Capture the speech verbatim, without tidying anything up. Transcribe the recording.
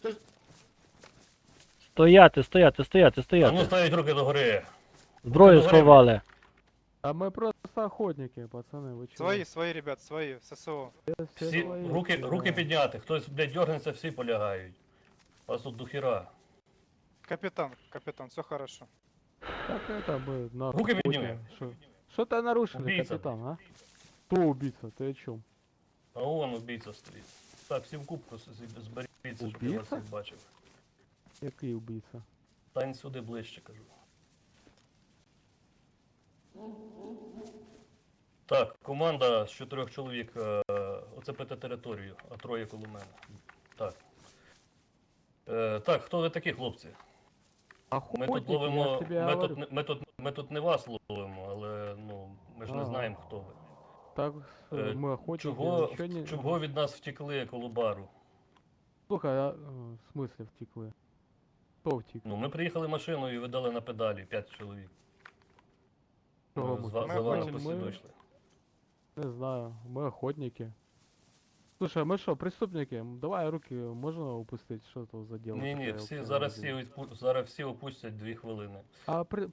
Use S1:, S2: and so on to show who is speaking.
S1: Стояти, стояти, стояти,
S2: А ну
S1: стояти.
S2: ставить руки догори.
S1: Зброю
S2: руки догори.
S1: сховали.
S3: А мы просто охотники, пацаны, вы чего?
S4: Свои, свои, ребят, свои, ССО.
S3: Все, все
S2: Всі
S3: свои,
S2: руки,
S3: да.
S2: руки підняти. Хтось, блядь, дергнеться, всі полягають. У вас тут дохіра.
S4: Капитан, капитан, все хорошо.
S3: Так это мы на
S2: Руки
S3: охоте.
S2: подними.
S3: Шо- Что-то нарушили,
S2: Убийца.
S3: капитан, а? Кто убийца? Ты о чем?
S2: А вон убійця стоїть. Так, всі в кубку з- з- зберіться, щоб я вас
S3: Убійця?
S2: всіх бачив.
S3: Який убийца?
S2: Стань сюди ближче, кажу. Так, команда з чотирьох чоловік е, оцепити територію, а троє коло мене. Так. Е, так, хто ви такі, хлопці? Ми тут
S3: Охотники, я
S2: ловимо.
S3: тебе
S2: Ми
S3: говорю.
S2: тут, не- ми, тут, ми тут не вас ловимо, але ну, ми ж не
S3: А.
S2: знаємо, хто ви.
S3: Так,
S2: Е,
S3: э, мы охотники,
S2: Чого,
S3: ничего не...
S2: чого від нас втекли коло бару?
S3: Слухай, а, э, в смысле втекли? Кто втек?
S2: Ну, ми приїхали машиною і видали на педалі п'ять чоловік.
S3: Чого
S2: Ми
S3: ми
S2: з ва-
S4: Ми
S2: за вами
S4: охотимся.
S2: посі
S3: Ми-
S2: вийшли.
S3: Не знаю, мы охотники. Слушай, а мы что, преступники? М, Давай руки, можно упустить, что это за дело?
S2: Ні, ні,
S3: такое
S2: всі
S3: вообще
S2: зараз всі,
S3: дело?
S2: відпу- зараз всі опустять дві хвилини.
S3: А при,